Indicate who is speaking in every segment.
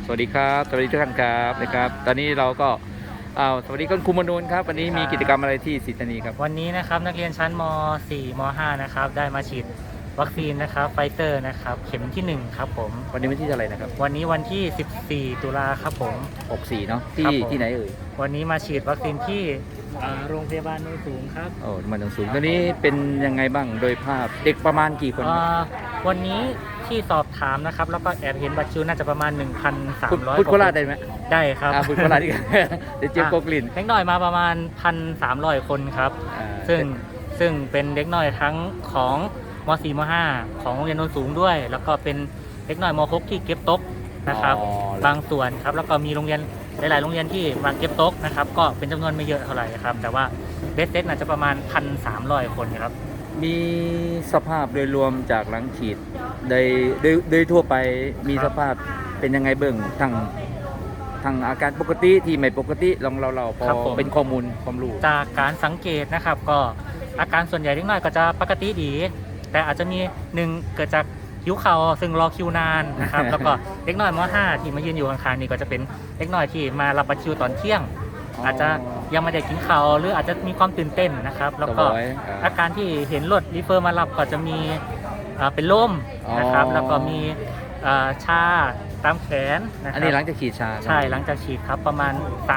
Speaker 1: สวัสดีครับสวัสดีทุกท่านครับนะครับตอนนี้เราก็สวัสดีคุณครูมนูนครับวันนี้มีกิจกรรมอะไรที่สิทธานีครับ
Speaker 2: วันนี้นะครับนักเรียนชั้นม .4 ม .5 นะครับได้มาฉีดวัคซีนนะครับไฟเซอร์นะครับเข็มที่1ครับผม
Speaker 1: วันนี้วันที่เท่าไหร่นะครับ
Speaker 2: วันนี้วันที่ 14 ตุลาครับผม
Speaker 1: 64เนาะ
Speaker 2: ครับผม
Speaker 1: ที่ไหนเอ่ย
Speaker 2: วันนี้มาฉีดวัคซีนที่โรงพยาบาลโนนสูงครับ
Speaker 1: โอ้มันสูงตอนนี้เป็นยังไงบ้างโดยภาพเด็กประมาณกี่คนครับ
Speaker 2: วันนี้ที่สอบถามนะครับแล้วก็แอบเห็นบัตรคิวน่าจะประมาณ 1,300
Speaker 1: พูดโคราชได้ไหม
Speaker 2: ได้ครับ
Speaker 1: พูดโคราชดีกว่าเดี๋ยวเจี๊ยบโกกลิ่น
Speaker 2: เด็กน้อยมาประมาณ 1,300 คนครับซึ่งเป็นเด็กน้อยทั้งของม .4 ม .5 ของโรงเรียนโนนสูงด้วย แล้วก็เป็นเด็กน้อยม .6 ที่เก็บโต๊ะนะครับบางส่วนครับแล้วก็มีโรงเรียนหลายๆโรงเรียนที่มาเก็บโต๊ะนะครับก็เป็นจำนวนไม่เยอะเท่าไหร่ครับแต่ว่าเบสเซ็ตน่าจะประมาณ 1,300 คนครับ
Speaker 1: มีสภาพโดยรวมจากหลังฉีดโดยทั่วไปมีสภาพเป็นยังไงเบื้องทางอาการปกติที่ไม่ปกติลองเราพอเป็นข้อมูลความรู้
Speaker 2: จากการสังเกตนะครับก็อาการส่วนใหญ่เล็กน้อยก็จะปกติดีแต่อาจจะมีหนึ่งเกิดจากหิวเข่าซึ่งรอคิวนานนะครับ แล้วก็เล็กน้อยม .5 ที่มายืนอยู่ข้างๆนี่ก็จะเป็นเล็กน้อยที่มารับบัตรคิวตอนเที่ยงอาจจะยังไม่ได้กินข้าวหรืออาจจะมีความตื่นเต้นนะครับแล้วก็อาการที่เห็นรถรีเฟอร์มารับก็จะมีเป็นลมนะครับแล้วก็มีชาตามแขนนะครับ
Speaker 1: อันนี้หลังจากฉีดชา
Speaker 2: ใช่หลังจากฉีดครับประมาณ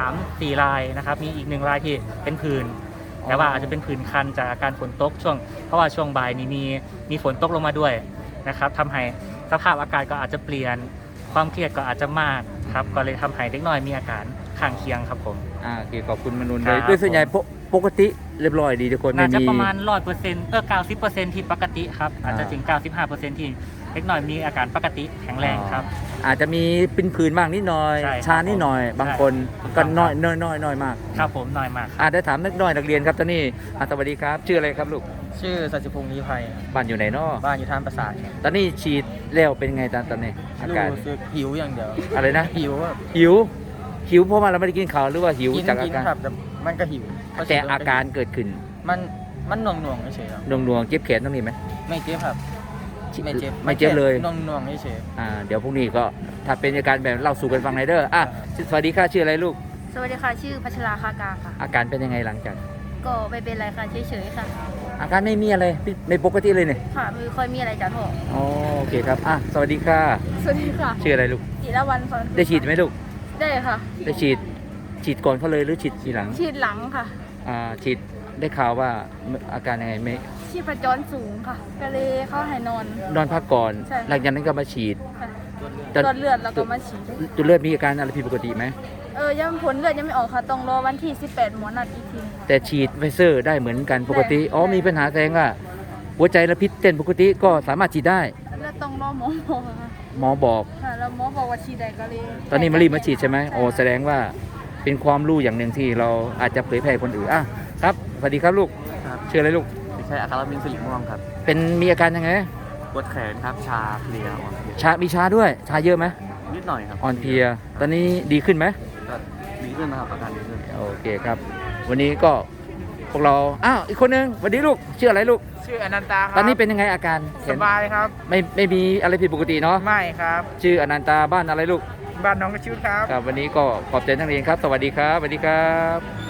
Speaker 2: 3-4 รายนะครับมีอีก1รายที่เป็นผื่นแต่ว่าอาจจะเป็นผื่นคันจากอาการฝนตกเพราะว่าช่วงบ่ายนี้มีฝนตกลงมาด้วยนะครับทำให้สภาพอากาศก็อาจจะเปลี่ยนความเครียดก็อาจจะมากครับก็เลยทำให้เด็กน้อยมีอาการข้างเคียงครับผม
Speaker 1: โอเคขอบคุณมนุนเลยด้วยส่วนใหญ่ปกติเรียบร้อยดีทุกคน
Speaker 2: น่าจะประมาณ 100% 90% ที่ปกติครับอาจจะถึง 95% ที่เล็กน้อยมีอาการปกติแข็งแรงครับ
Speaker 1: อาจจะมีเป็นผื่นบ้างนิดหน่อยชานิดหน่อยบางคนก็น้อยมาก
Speaker 2: ครับผมน้อยมาก
Speaker 1: ได้ถามนักเรียนครับตอนนี้สวัสดีครับชื่ออะไรครับลูก
Speaker 2: ชื่อสัจพงษ์ลี้ภัย
Speaker 1: บ้านอยู่ไหนเนาะ
Speaker 2: บ้านอยู่ท่าประสาท
Speaker 1: ตอนนี้ฉีดแล้วเป็นไงตอนนี้อาการ
Speaker 2: รู้สึกหิวอย่างเดียว
Speaker 1: อะไรนะ
Speaker 2: หิว
Speaker 1: เพราะว่าเราไม่ได้กินข้าวหรือว่าหิวจากอาการ
Speaker 2: ครับมันก็หิว
Speaker 1: แต่อาการเกิดขึ้น
Speaker 2: มันหน่วงเฉยๆ
Speaker 1: หน่วงเจ็บแขนตรงนี้ไหม
Speaker 2: ไม่เจ็บครับไม่เ
Speaker 1: จ็บเลย
Speaker 2: หน่วงเฉย
Speaker 1: เดี๋ยวพรุ่งนี้ก็ถ้าเป็นอาการแบบเล่าสู่กันฟังในเด้อสวัสดีค่ะชื่ออะไรลูก
Speaker 3: สวัสดีค่ะชื่อพัชราคากาค่ะ
Speaker 1: อาการเป็นยังไงหลังจาก
Speaker 3: ก็ไม่เป็นไรค่ะเฉยๆค่ะ
Speaker 1: อาการไม่มีอะไรไม่ปกติเลยเนี่ย
Speaker 3: ค่ะไม่ค่อยมีอะไรจ้ะพ่อ
Speaker 1: โอเคครับสวัสดีค่ะ
Speaker 3: สวัสดีค่ะ
Speaker 1: ชื่ออะไรลูก
Speaker 3: จิรวรรณ
Speaker 1: ได้ฉีดไหมลูก
Speaker 3: ได้ค่ะ
Speaker 1: ได้ฉีดก่อนเขาเลยหรือฉีดทีหลัง
Speaker 3: ฉีดหลังค่ะ
Speaker 1: ฉีดได้ข่าวว่าอาการยังไงไม่
Speaker 3: ชีพจรสูงค่ะก็เลยเข้าให้นอน
Speaker 1: พักก่อนหลังจากนั้นก็มาฉีด
Speaker 3: ตรวจเลือดแล้วก็มาฉีด
Speaker 1: ตัวเลือดมีอาการอะไรผิดปกติไหม
Speaker 3: ยังผลเลือดยังไม่ออกค่ะต้องรอวันที่18หมอนัดอีกที
Speaker 1: แต่ฉีดไฟเซอร์ได้เหมือนกันปกติมีปัญหาแสดงว่าหัวใจและพิษเต้นปกติก็สามารถฉีดได้
Speaker 3: แล้วต้องรอหมอ
Speaker 1: บอก
Speaker 3: ค่ะแล้วหมอบอกว่าฉีดได้ก็เลย
Speaker 1: ตอนนี้มารีบมาฉีดใช่ไหมแสดงว่าเป็นความรู้อย่างหนึ่งที่เราอาจจะเผยแพร่คนอื่นครับสวัสดีครับลูกชื่ออะไรลูก
Speaker 2: ใช่อาการมินสิริม่วงครับ
Speaker 1: มีอาการยังไง
Speaker 2: ปวดแขนครับชาเพลีย
Speaker 1: มีชาด้วยชาเยอะไหม
Speaker 2: นิดหน่อยครับ
Speaker 1: อ่อนเพลียตอนนี้ดีขึ้นไหม
Speaker 2: ดีขึ้นนะครับอาการดีขึ้น
Speaker 1: โอเคครับวันนี้ก็พวกเราอีกคนนึงสวัสดีลูกชื่ออะไรลูก
Speaker 4: ชื่ออนันตาครับ
Speaker 1: ตอนนี้เป็นยังไงอาการ
Speaker 4: สบายครับ
Speaker 1: ไม่มีอะไรผิดปกติเนาะ
Speaker 4: ไม่ครับ
Speaker 1: ชื่ออนันตาบ้านอะไรลูก
Speaker 4: บ้านน้องกระชุดครับ
Speaker 1: วันนี้ก็ขอบใจนักเรียนครับสวัสดีครับ